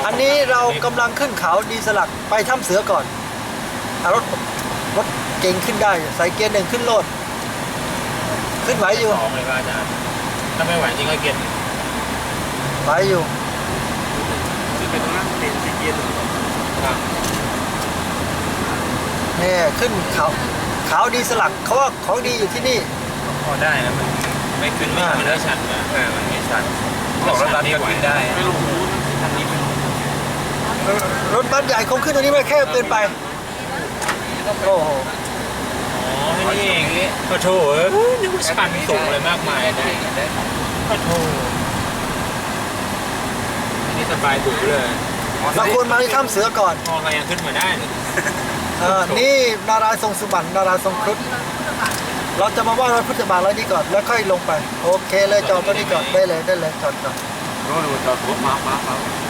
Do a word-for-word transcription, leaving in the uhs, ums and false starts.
อันนี้เรากำลังขึ้นเขาดีสลักไปถ้ำเสือก่อนเอารถรถเก่งขึ้นได้ใส่เกียร์หนึ่งขึ้นโลดขึ้นไหวอยู่สองเลยป่ะอาจารย์ถ้าไม่ไหวจริงก็เกียร์ไหวอยู่คือเป็นตรงนั้นเป็นเกียร์หนึ่งครับเนี่ยขึ้นเขาเขาดีสลักเขาว่าของดีอยู่ที่นี่พอได้นะมันไม่ขึ้นไม่มันไม่ชันนะเออมันไม่ชันบอกรถบัสนี่ก็ไหวขึ้นได้ได้ไม่รู้ทางนี้เป็นรถบัสใหญ่คงขึ้นตรงนี้ไม่แค่เกินไปโอ้โหอ๋อนี่เองนี่ขอโทษเอ้ยนึกว่าชันสูงอะไรมากมายได้ได้ขอโทษอันนี้สบายดุเลยเราควรมาที่ถ้ำเสือก่อนพอเรายังขึ้นมาได้เลยเออนี่นารายณ์ทรงสุบรรณนารายณ์ทรงครุฑเราจะมาไหว้พระพุทธบาทแล้วนี่ก่อนแล้วค่อยลงไปโอเคเลยจอดตรงนี้ก่อนได้เลยได้เลยจอดจอดรู้ดูจอดรถมามามา